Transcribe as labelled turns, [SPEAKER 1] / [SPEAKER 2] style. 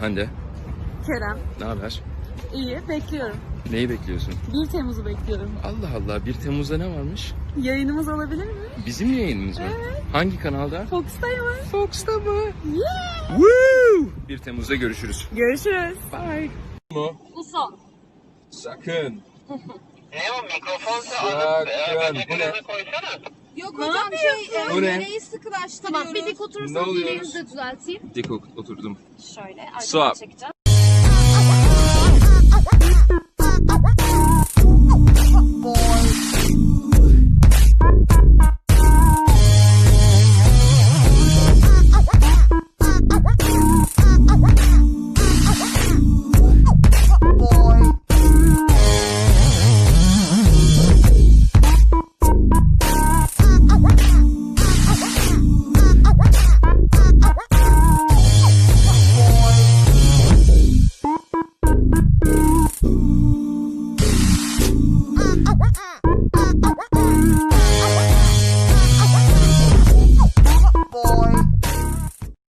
[SPEAKER 1] Hande.
[SPEAKER 2] Kerem.
[SPEAKER 1] Ne haber?
[SPEAKER 2] İyi, bekliyorum.
[SPEAKER 1] Neyi bekliyorsun?
[SPEAKER 2] 1 Temmuz'u bekliyorum.
[SPEAKER 1] Allah Allah, 1 Temmuz'da ne varmış?
[SPEAKER 2] Yayınımız olabilir mi?
[SPEAKER 1] Bizim yayınımız mı?
[SPEAKER 2] Evet.
[SPEAKER 1] Hangi kanalda?
[SPEAKER 2] Fox'tayım.
[SPEAKER 1] Fox'ta mı?
[SPEAKER 2] Yeah.
[SPEAKER 1] Woo! 1 Temmuz'da görüşürüz.
[SPEAKER 2] Görüşürüz.
[SPEAKER 1] Bye. Mu?
[SPEAKER 2] Bu son.
[SPEAKER 1] Sakın.
[SPEAKER 3] Ne o mikrofonsa
[SPEAKER 1] Sakın.
[SPEAKER 3] alıp
[SPEAKER 1] Bu ne?
[SPEAKER 3] koysana.
[SPEAKER 4] Yok
[SPEAKER 2] Ne
[SPEAKER 4] hocam
[SPEAKER 1] Bu ne?
[SPEAKER 4] nereyi sıkılaştırıyoruz?
[SPEAKER 5] Tamam, bir dik
[SPEAKER 1] Ne
[SPEAKER 5] oturursanız
[SPEAKER 1] oluyoruz?
[SPEAKER 5] elinizi de düzelteyim.
[SPEAKER 1] Dik oturdum.
[SPEAKER 5] Şöyle
[SPEAKER 1] Swap.
[SPEAKER 5] arkadan çekeceğim.